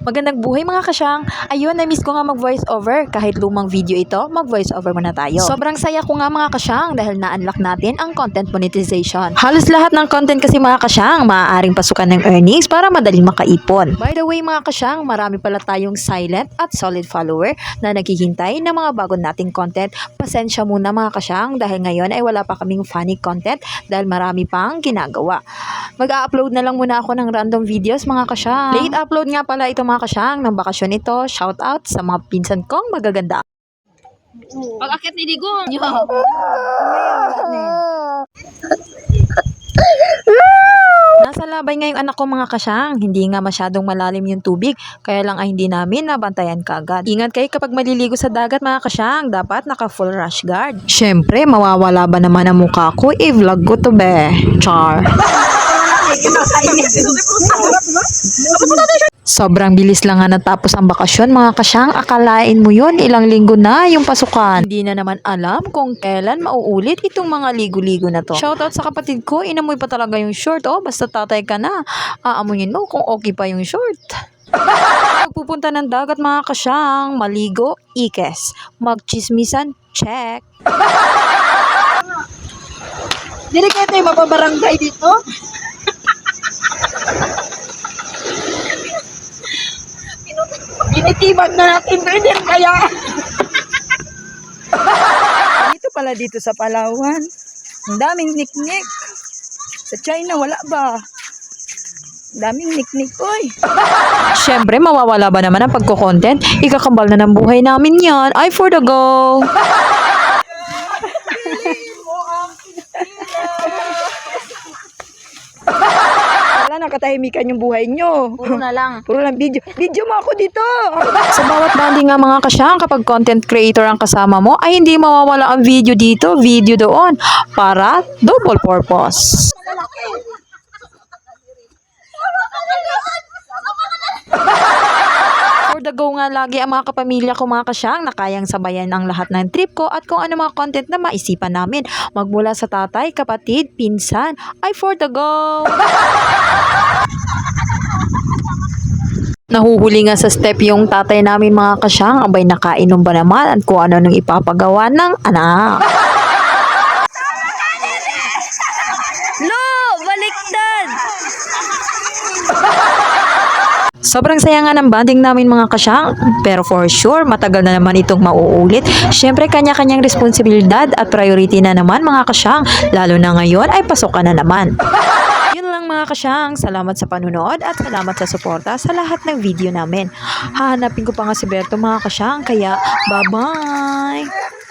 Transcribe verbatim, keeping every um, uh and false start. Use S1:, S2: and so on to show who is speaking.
S1: Magandang buhay mga kasyang. Ayun, na-miss ko nga mag-voice over. Kahit lumang video ito, mag-voice over muna tayo. Sobrang saya ko nga mga kasyang dahil na-unlock natin ang content monetization. Halos lahat ng content kasi mga kasyang maaaring pasukan ng earnings para madaling makaipon. By the way mga kasyang, marami pala tayong silent at solid follower na naghihintay ng mga bago nating content. Pasensya muna mga kasyang dahil ngayon ay wala pa kaming funny content dahil marami pang ginagawa. Mag-a-upload na lang muna ako ng random videos mga kasyang. Late upload nga pala ito mga kasyang ng bakasyon ito. Shout out sa mga pinsan kong magaganda.
S2: Pag-akit ni Digong.
S1: Nasa labay ngayong anak ko mga kasyang. Hindi nga masyadong malalim yung tubig. Kaya lang ay hindi namin nabantayan kagad. Ingat kayo kapag maliligo sa dagat mga kasyang. Dapat naka full rash guard. Syempre, mawawala ba naman ang mukha ko? I-vlog ko to be. Char. Sobrang bilis lang nga natapos ang bakasyon mga kasyang. Akalain mo yun, ilang linggo na yung pasukan. Hindi na naman alam kung kailan mauulit itong mga ligo-ligo na to. Shoutout sa kapatid ko, inamoy pa talaga yung short. Oh, basta tatay ka na. Aamunin mo kung okay pa yung short. Pagpupunta ng dagat mga kasyang, maligo, ikes. Magchismisan, check.
S2: Dili kayo tayo mapabarangay dito. Initiban na natin din kaya. Dito pala dito sa Palawan. Ang daming niknik. Sa China wala ba? Ang daming niknik, oy.
S1: Syempre, mawawala ba naman ang pagko-content? Ikakambal na ng buhay namin yan. I for the go!
S2: Wala, nakatahimikan yung buhay nyo.
S1: Puro na lang.
S2: Puro lang video. Video mo ako dito.
S1: Sa bawat banding nga mga kasyang, kapag content creator ang kasama mo, ay hindi mawawala ang video dito, video doon, para double purpose. For the go nga lagi ang mga kapamilya ko mga kasyang na kayang sabayan ang lahat ng trip ko at kung ano mga content na maisipan namin. Magmula sa tatay, kapatid, pinsan, ay for the go! Nahuhuli nga sa step yung tatay namin mga kasyang, abay nakainom ba naman at kung ano nang ipapagawa ng anak.
S2: Lo! Baliktad!
S1: Sobrang saya nga ng banding namin mga kasyang, pero for sure, matagal na naman itong mauulit. Syempre, kanya-kanyang responsibilidad at priority na naman mga kasyang, lalo na ngayon ay pasokan na naman. Yun lang mga kasyang, salamat sa panunood at salamat sa suporta sa lahat ng video namin. Hahanapin ko pa nga si Berto mga kasyang, kaya bye-bye!